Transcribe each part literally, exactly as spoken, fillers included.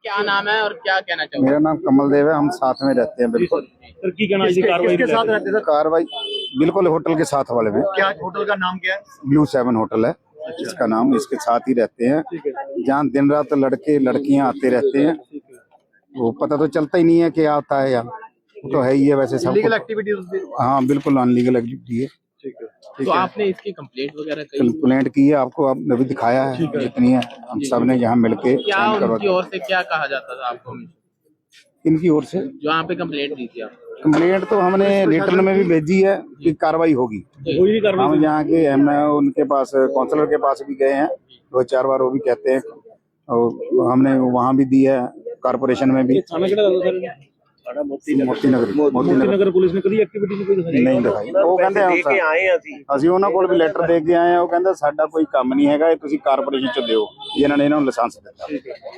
क्या नाम है और क्या कहना चाहोगे? मेरा नाम कमल देव है, हम साथ में रहते हैं। बिल्कुल सर की कहना है कार्रवाई किसके साथ रहते थे? कार्रवाई बिल्कुल होटल के साथ वाले में। क्या होटल का नाम क्या है? ब्लू सेवन होटल है इसका नाम, इसके साथ ही रहते हैं जहाँ दिन रात लड़के लड़कियां आते रहते हैं। वो पता तो चलता ही नहीं है क्या होता है यहाँ, वो तो है ही है वैसे सब। Illegal activities? हाँ बिल्कुल अनलीगल एक्टिविटी है। तो आपने इसकी कंप्लेंट वगैरह की? कंप्लेंट की है, आपको आपने भी दिखाया है जितनी है, हम सब ने यहाँ मिलके। क्या उनकी ओर से क्या कहा जाता था आपको? इनकी ओर से जो यहाँ पे कंप्लेंट दी थी आप? कंप्लेंट तो हमने रिटर्न में भी भेजी है कि कार्रवाई होगी। हम यहाँ के एम उनके पास काउंसलर के पास भी गए हैं दो चार बार, वो भी कहते हैं, और हमने वहाँ भी दी है कारपोरेशन में भी। मोती नगर मोती नगर पुलिस ने करी एक्टिविटी कोई नहीं दिखाई। ਉਹ ਕਹਿੰਦੇ ਅਸੀਂ ਉਹਨਾਂ ਕੋਲ ਵੀ ਲੈਟਰ ਦੇ ਕੇ ਆਏ ਆ, ਉਹ ਕਹਿੰਦਾ ਸਾਡਾ ਕੋਈ ਕੰਮ ਨਹੀਂ ਹੈਗਾ, ਇਹ ਤੁਸੀਂ ਕਾਰਪੋਰੇਸ਼ਨ ਚ ਦਿਓ, ਇਹਨਾਂ ਨੇ ਇਹਨਾਂ ਨੂੰ ਲਾਇਸੈਂਸ ਦਿੱਤਾ।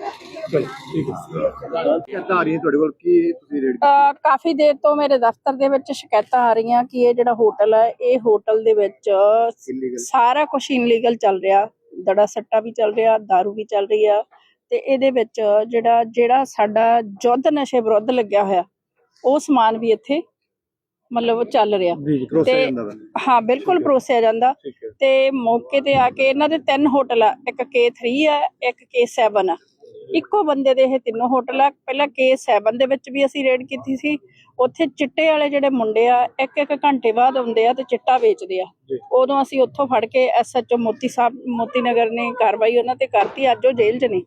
ਸ਼ਿਕਾਇਤਾਂ ਆ ਰਹੀਆਂ ਤੁਹਾਡੇ ਕੋਲ ਕਿ ਤੁਸੀਂ ਰੇਡ? ਕਾਫੀ ਦੇਰ ਤੋਂ ਮੇਰੇ ਦਫ਼ਤਰ ਦੇ ਵਿੱਚ ਸ਼ਿਕਾਇਤਾਂ ਆ ਰਹੀਆਂ ਕਿ ਇਹ ਜਿਹੜਾ ਹੋਟਲ ਹੈ, ਇਹ ਹੋਟਲ ਦੇ ਵਿੱਚ ਸਾਰਾ ਕੁਝ ਇਨਲੀਗਲ ਚੱਲ ਰਿਹਾ, ਦੜਾ ਸੱਟਾ ਵੀ ਚੱਲ ਰਿਹਾ, ਦਾਰੂ ਵੀ ਚੱਲ ਰਹੀ ਆ, ਤੇ ਇਹਦੇ ਵਿੱਚ ਜਿਹੜਾ ਜਿਹੜਾ ਸਾਡਾ ਯੁੱਧ ਨਸ਼ੇ ਵਿਰੁੱਧ ਲੱਗਿਆ ਹੋਇਆ ਉਹ ਸਮਾਨ ਵੀ ਇੱਥੇ ਮਤਲਬ ਚੱਲ ਰਿਹਾ। ਤੇ ਹਾਂ ਬਿਲਕੁਲ ਪਰੋਸਿਆ ਜਾਂਦਾ। ਤੇ ਮੌਕੇ ਤੇ ਆ ਕੇ ਇਹਨਾਂ ਦੇ ਤਿੰਨ ਹੋਟਲ ਆ, ਇੱਕ ਕੇ ਥ੍ਰੀ ਆ, ਇੱਕ ਕੇ ਸੈਵਨ ਆ, ਇੱਕੋ ਬੰਦੇ ਦੇ ਇਹ ਤਿੰਨੋਂ ਹੋਟਲ ਆ। ਪਹਿਲਾਂ ਕੇ ਸੈਵਨ ਦੇ ਵਿੱਚ ਵੀ ਅਸੀਂ ਰੇਡ ਕੀਤੀ ਸੀ, ਉੱਥੇ ਚਿੱਟੇ ਵਾਲੇ ਜਿਹੜੇ ਮੁੰਡੇ ਆ ਇੱਕ ਇੱਕ ਘੰਟੇ ਬਾਅਦ ਆਉਂਦੇ ਆ ਤੇ ਚਿੱਟਾ ਵੇਚਦੇ ਆ। ਉਦੋਂ ਅਸੀਂ ਉੱਥੋਂ ਫੜ ਕੇ ਐਸ ਐਚ ਓ ਮੋਤੀ ਸਾਹਿਬ ਮੋਤੀ ਨਗਰ ਨੇ ਕਾਰਵਾਈ ਉਹਨਾਂ ਤੇ ਕਰਤੀ। ਅੱਜ ਉਹ ਜੇਲ੍ਹ 'ਚ ਨੇ।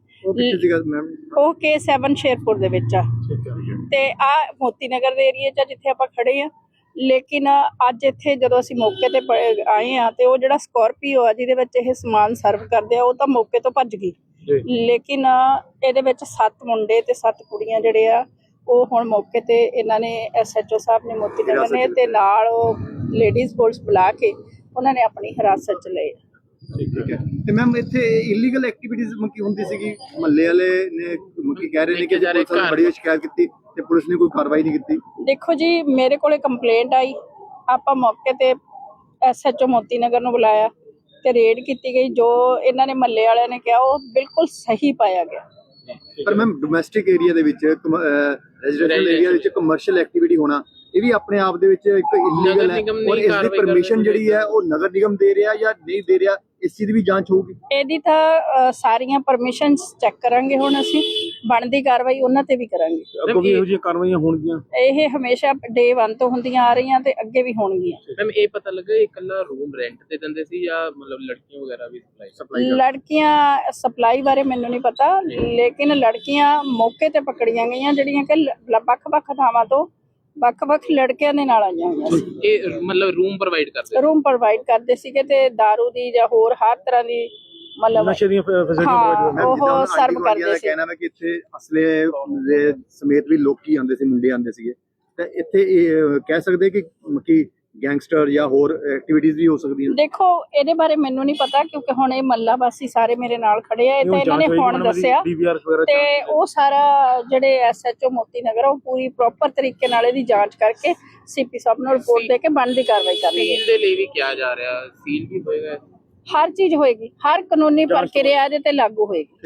ਉਹ ਕੇ ਸੈਵਨ ਸ਼ੇਰਪੁਰ ਦੇ ਵਿੱਚ ਆ ਤੇ ਆ ਮੋਤੀ ਨਗਰ ਦੇ ਏਰੀਏ 'ਚ ਜਿੱਥੇ ਆਪਾਂ ਖੜੇ ਆ। ਲੇਕਿਨ ਅੱਜ ਇੱਥੇ ਜਦੋਂ ਅਸੀਂ ਮੌਕੇ ਤੇ ਆਏ ਆ ਤੇ ਉਹ ਜਿਹੜਾ ਸਕੋਰਪੀਓ ਆ ਜਿਹਦੇ ਵਿੱਚ ਇਹ ਸਮਾਨ ਸਰਵ ਕਰਦੇ ਆ, ਉਹ ਤਾਂ ਮੌਕੇ ਤੋਂ ਭੱਜ ਗਈ। ਲੇਕਿਨ ਇਹਦੇ ਵਿੱਚ ਸੱਤ ਮੁੰਡੇ ਤੇ ਸੱਤ ਕੁੜੀਆਂ ਜਿਹੜੇ ਆ ਉਹ ਹੁਣ ਮੌਕੇ ਤੇ ਇਹਨਾਂ ਨੇ ਐਸ ਐਚ ਓ ਸਾਹਿਬ ਨੇ ਮੋਤੀ ਨਗਰ ਨੇ ਤੇ ਨਾਲ ਉਹ ਲੇਡੀਜ਼ ਪੁਲਿਸ ਬੁਲਾ ਕੇ ਉਹਨਾਂ ਨੇ ਆਪਣੀ ਹਿਰਾਸਤ 'ਚ ਲਏ। ਠੀਕ ਹੈ। ਤੇ ਮੈਮ ਇੱਥੇ ਇਲੀਗਲ ਐਕਟੀਵਿਟੀਜ਼ ਮੱਕੀ ਹੁੰਦੀ ਸੀਗੀ, ਮਹੱਲੇ ਵਾਲੇ ਨੇ ਮੱਕੀ ਕਹਿ ਰਹੇ ਨੇ ਕਿ ਪੁਲਿਸ ਨੇ ਬੜੀ ਸ਼ਿਕਾਇਤ ਕੀਤੀ ਤੇ ਪੁਲਿਸ ਨੇ ਕੋਈ ਕਾਰਵਾਈ ਨਹੀਂ ਕੀਤੀ। ਦੇਖੋ ਜੀ, ਮੇਰੇ ਕੋਲੇ ਕੰਪਲੇਂਟ ਆਈ, ਆਪਾਂ ਮੌਕੇ ਤੇ ਐਸ ਐਚ ਓ ਮੋਤੀ ਨਗਰ ਨੂੰ ਬੁਲਾਇਆ ਤੇ ਰੇਡ ਕੀਤੀ ਗਈ। ਜੋ ਇਹਨਾਂ ਨੇ ਮਹੱਲੇ ਵਾਲਿਆਂ ਨੇ ਕਿਹਾ ਉਹ ਬਿਲਕੁਲ ਸਹੀ ਪਾਇਆ ਗਿਆ। ਪਰ ਮੈਮ ਡੋਮੈਸਟਿਕ ਏਰੀਆ ਦੇ ਵਿੱਚ ਰੈਜ਼ੀਡੈਂਸ਼ੀਅਲ ਏਰੀਆ ਵਿੱਚ ਕਮਰਸ਼ੀਅਲ ਐਕਟੀਵਿਟੀ ਹੋਣਾ ਇਹ ਵੀ ਆਪਣੇ ਆਪ ਦੇ ਵਿੱਚ ਇੱਕ ਇਲੀਗਲ ਹੈ, ਔਰ ਇਸ ਦੀ ਪਰਮਿਸ਼ਨ ਜਿਹੜੀ ਹੈ ਉਹ ਨਗਰ ਨਿਗਮ ਦੇ ਰਿਹਾ ਜਾਂ ਨਹੀਂ ਦੇ ਰਿਹਾ, ਇਸ ਚੀਜ਼ ਦੀ ਵੀ ਜਾਂਚ ਹੋਊਗੀ। ਇਹਦੀ ਤਾਂ ਸਾਰੀਆਂ ਪਰਮਿਸ਼ਨਸ ਚੈੱਕ ਕਰਾਂਗੇ, ਹੁਣ ਅਸੀਂ ਬਣਦੀ ਕਾਰਵਾਈ ਉਹਨਾਂ ਤੇ ਵੀ ਕਰਾਂਗੇ। ਅੱਗੋਂ ਵੀ ਇਹੋ ਜਿਹੀਆਂ ਕਾਰਵਾਈਆਂ ਹੋਣਗੀਆਂ। ਇਹ ਹਮੇਸ਼ਾ ਡੇ ਵਨ ਤੋਂ ਹੁੰਦੀਆਂ ਆ ਰਹੀਆਂ ਤੇ ਅੱਗੇ ਵੀ ਹੋਣਗੀਆਂ। ਮੈਮ ਇਹ ਪਤਾ ਲੱਗਾ ਇਹ ਇਕੱਲਾ ਰੂਮ ਰੈਂਟ ਤੇ ਦਿੰਦੇ ਸੀ ਜਾਂ ਮਤਲਬ ਲੜਕੀਆਂ ਵਗੈਰਾ ਵੀ ਸਪਲਾਈ? ਲੜਕੀਆਂ ਸਪਲਾਈ ਬਾਰੇ ਮੈਨੂੰ ਨਹੀਂ ਪਤਾ, ਲੇਕਿਨ ਲੜਕੀਆਂ ਮੌਕੇ ਤੇ ਪਕੜੀਆਂ ਗਈਆਂ ਜਿਹੜੀਆਂ ਕਿ ਵੱਖ-ਵੱਖ ਥਾਵਾਂ ਤੋਂ ਵੱਖ-ਵੱਖ ਲੜਕਿਆਂ ਦੇ ਨਾਲ ਆਈਆਂ ਹੋਈਆਂ ਸੀ। ਇਹ ਮਤਲਬ ਰੂਮ ਪ੍ਰੋਵਾਈਡ ਕਰਦੇ ਰੂਮ ਪ੍ਰੋਵਾਈਡ ਕਰਦੇ ਸੀਗੇ ਤੇ ਦਾਰੂ ਦੀ ਜਾਂ ਹੋਰ ਹਰ ਤਰ੍ਹਾਂ ਦੀ ਮਤਲਬ ਨਸ਼ੇ ਦੀਆਂ ਫੈਸਿਲਿਟੀਆਂ ਉਹ ਸਰਵ ਕਰਦੇ ਸੀ। ਕਹਿਣਾ ਮੈਂ ਕਿ ਇੱਥੇ ਅਸਲੇ ਦੇ ਸਮੇਤ ਵੀ ਲੋਕੀ ਆਉਂਦੇ ਸੀ, ਮੁੰਡੇ ਆਉਂਦੇ ਸੀਗੇ, ਤੇ ਇੱਥੇ ਇਹ ਕਹਿ ਸਕਦੇ ਕਿ ਕਿ ਗੈਂਗਸਟਰ ਜਾਂ ਹੋਰ ਐਕਟੀਵਿਟੀਜ਼ ਵੀ ਹੋ ਸਕਦੀਆਂ। ਦੇਖੋ ਇਹਦੇ ਬਾਰੇ ਮੈਨੂੰ ਨਹੀਂ ਪਤਾ ਕਿਉਂਕਿ ਹੁਣ ਇਹ ਮੱਲਾ ਵਾਸੀ ਸਾਰੇ ਮੇਰੇ ਨਾਲ ਖੜੇ ਆ, ਇਹ ਤਾਂ ਇਹਨਾਂ ਨੇ ਹੁਣ ਦੱਸਿਆ ਤੇ ਉਹ ਸਾਰਾ ਜਿਹੜੇ ਐਸ ਐਚ ਓ ਮੋਤੀ ਨਗਰ ਉਹ ਪੂਰੀ ਪ੍ਰੋਪਰ ਤਰੀਕੇ ਨਾਲ ਇਹਦੀ ਜਾਂਚ ਕਰਕੇ ਸੀਪੀ ਸਾਹਿਬ ਨੂੰ ਰਿਪੋਰਟ ਦੇ ਕੇ ਬਣਦੀ ਕਾਰਵਾਈ ਕਰਨਗੇ। ਸੀਲ ਦੇ ਲਈ ਵੀ ਕਿਹਾ ਜਾ ਰਿਹਾ, ਸੀਲ ਵੀ ਹੋਏਗਾ? ਹਰ ਚੀਜ਼ ਹੋਏਗੀ, ਹਰ ਕਾਨੂੰਨੀ ਪ੍ਰਕਿਰਿਆ ਇਹਦੇ ਤੇ लागू होएगी।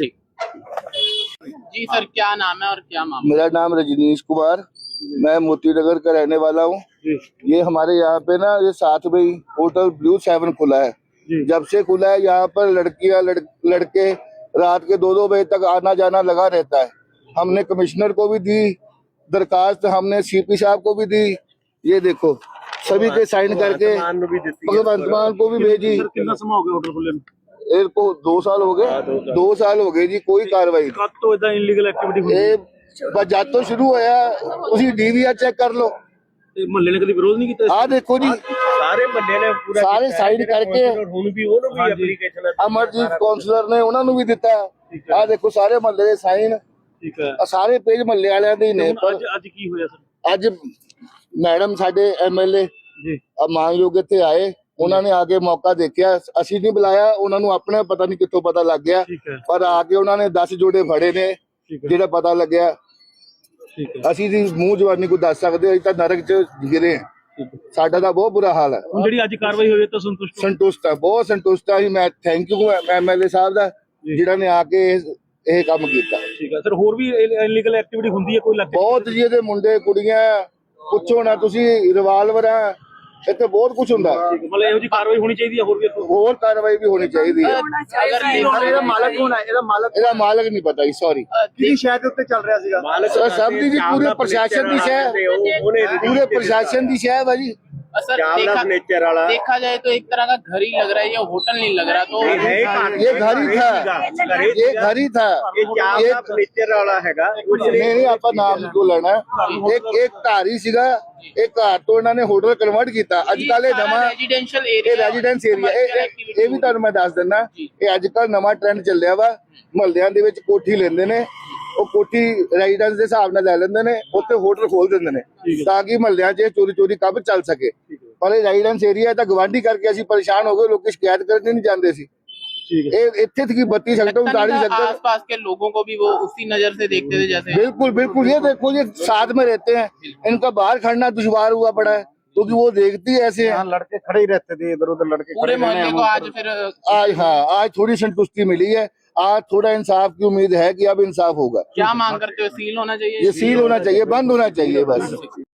ठीक जी सर, क्या नाम है और क्या मामला? मेरा नाम रजनीश कुमार, मैं मोती नगर का रहने वाला हूँ। ये हमारे यहाँ पे ना ये साथ में ही होटल ब्लू सेवन खुला है। जब से खुला है यहाँ पर लड़कियाँ लड़, लड़के रात के दो दो बजे तक आना जाना लगा रहता है। हमने कमिश्नर को भी दी दरखास्त, हमने सीपी साहब को भी दी, ये देखो सभी के साइन करके भगवंत मान को भी भेजी। कितना समय हो गया होटल खुले? इनको दो साल हो गए, दो साल हो गए जी, कोई कार्रवाई कब तो इतना इलीगल एक्टिविटी बस जब तो शुरू होया उसी डीवीआर चेक कर लो। ਮਹੱਲੇ ਨੇ ਕਦੀ ਵਿਰੋਧ ਨਹੀਂ ਕੀਤਾ? ਆ ਦੇਖੋ ਜੀ ਸਾਰੇ ਮਹੱਲੇ ਨੇ ਪੂਰਾ ਸਾਰੇ ਸਾਈਨ ਕਰਕੇ ਹੁਣ ਵੀ ਉਹਨੂੰ ਵੀ ਐਪਲੀਕੇਸ਼ਨ ਅਮਰਜੀਤ ਕਾਉਂਸਲਰ ਨੇ ਉਹਨਾਂ ਨੂੰ ਵੀ ਦਿੱਤਾ। ਆ ਦੇਖੋ ਸਾਰੇ ਮਹੱਲੇ ਦੇ ਸਾਈਨ, ਠੀਕ ਹੈ, ਸਾਰੇ ਪੇਜ ਮਹੱਲੇ ਵਾਲਿਆਂ ਦੇ ਹੀ ਨੇ। ਪਰ ਅੱਜ ਕੀ ਹੋਇਆ ਸਰ? ਅੱਜ ਮੈਡਮ ਸਾਡੇ ਐਮਐਲਏ ਜੀ ਮਾਨਯੋਗ ਇੱਥੇ ਆਏ, ਉਹਨਾਂ ਨੇ ਆ ਕੇ ਮੌਕਾ ਦੇਖਿਆ, ਅਸੀਂ ਨਹੀਂ ਬੁਲਾਇਆ ਉਹਨਾਂ ਨੂੰ, ਆਪਣੇ ਪਤਾ ਨਹੀਂ ਕਿੱਥੋਂ ਪਤਾ ਲੱਗ ਗਿਆ, ਪਰ ਆ ਕੇ ਉਹਨਾਂ ਨੇ ਦਸ ਜੋੜੇ ਫੜੇ ਨੇ ਜਿਹੜਾ ਪਤਾ ਲੱਗਿਆ। ਅਸੀਂ ਜੀ ਮੂੰਹ ਜਵਾਨੀ ਕੋ ਦੱਸ ਸਕਦੇ, ਅਸੀਂ ਤਾਂ ਨਰਕ ਚ ਗਿਰੇ ਹਾਂ, ਸਾਡਾ ਤਾਂ ਬਹੁਤ ਬੁਰਾ ਹਾਲ ਹੈ। ਜਿਹੜੀ ਅੱਜ ਕਾਰਵਾਈ ਹੋਈ ਤਾਂ ਸੰਤੁਸ਼ਟ ਸੰਤੁਸ਼ਟ ਹੈ, ਬਹੁਤ ਸੰਤੁਸ਼ਟ ਹੈ। ਮੈਂ ਥੈਂਕ ਯੂ ਐਮਐਲਏ ਸਾਹਿਬ ਦਾ ਜਿਹੜਾ ਨੇ ਆ ਕੇ ਇਹ ਕੰਮ ਕੀਤਾ। ਠੀਕ ਹੈ ਸਰ, ਹੋਰ ਵੀ ਇਲੀਗਲ ਐਕਟੀਵਿਟੀ ਹੁੰਦੀ ਹੈ ਕੋਈ ਇਲਾਕੇ 'ਚ? ਬਹੁਤ ਜੀ, ਇਹਦੇ ਮੁੰਡੇ ਕੁੜੀਆਂ ਪੁੱਛੋ ਨਾ ਤੁਸੀਂ, ਰਿਵਾਲਵਰਾਂ, ਇੱਥੇ ਬਹੁਤ ਕੁਝ ਹੁੰਦਾ। ਮਤਲਬ ਇਹੋ ਜਿਹੀ ਕਾਰਵਾਈ ਹੋਣੀ ਚਾਹੀਦੀ ਹੈ ਹੋਰ ਵੀ ਇੱਥੋਂ? ਹੋਰ ਕਾਰਵਾਈ ਵੀ ਹੋਣੀ ਚਾਹੀਦੀ ਹੈ। ਸਰ ਇਹਦਾ ਮਾਲਕ ਕੌਣ ਹੈ? ਇਹਦਾ ਮਾਲਕ ਇਹਦਾ ਮਾਲਕ ਨਹੀਂ ਪਤਾ ਜੀ, ਸੌਰੀ। ਕਿਹਦੀ ਸ਼ਾਇਦ ਦੇ ਉੱਤੇ ਚੱਲ ਰਿਹਾ ਸੀਗਾ? ਸਰ ਸਭ ਦੀ ਜੀ, ਪੂਰੇ ਪ੍ਰਸ਼ਾਸਨ ਦੀ ਸ਼ਹਿ, ਪੂਰੇ प्रशासन की शहर है जी। सर देखा, देखा जाए तो एक तरह का घर ही लग रहा है, ये होटल नहीं लग रहा। तो ये घर ही था, ये घर ही था, ये फर्नीचर वाला हैगा। नहीं नहीं आपका नाम को लेना। एक एक घर ही सीगा, एक घर तो इन्होंने होटल कन्वर्ट किया। अजकल नवा रेजिडेंशियल एरिया, रेजिडेंस एरिया, ये भी तुहानू मैं दस दिना, ये अजकल नवा ट्रेंड चलिया वा। महल्लियां दे विच कोठी लेंदे ने, ਉਹ ਕੋਠੀ ਰੈਜ਼ੀਡੈਂਸ ਦੇ ਹਿਸਾਬ ਨਾਲ ਲੈ ਲੈਂਦੇ ਨੇ, ਉੱਥੇ ਹੋਟਲ ਖੋਲ ਦਿੰਦੇ ਨੇ ਤਾਂ ਕਿ ਮਹੱਲਿਆਂ 'ਚ ਚੋਰੀ ਚੋਰੀ ਕੰਮ ਚੱਲ ਸਕੇ। ਪਰ ਇਹ ਰੈਜ਼ੀਡੈਂਸ ਏਰੀਆ ਤਾਂ ਗਵਾਂਢੀ ਕਰਕੇ ਅਸੀਂ ਪਰੇਸ਼ਾਨ ਹੋ ਗਏ, ਲੋਕੀ ਸ਼ਿਕਾਇਤ करने नहीं ਜਾਂਦੇ ਸੀ। ਇਹ ਇੱਥੇ तक बत्ती सकता हूँ उतार नहीं सकता। आसपास के लोगों को भी वो उसी नजर से देखते थे जैसे। बिल्कुल बिल्कुल, ये देखो ये साथ में रहते हैं, इनका बाहर खड़ना दुश्वार हुआ पड़ा है क्योंकि वो देखती है ऐसे। यहाँ लड़के खड़े ही रहते थे, इधर उधर लड़के पूरे मोहल्ले को आज फिर आज हाँ आज थोड़ी संतुष्टि मिली है, आज थोड़ा इंसाफ की उम्मीद है कि अब इंसाफ होगा। क्या मांग करते हो? सील होना चाहिए, ये सील होना चाहिए, बंद होना चाहिए बस।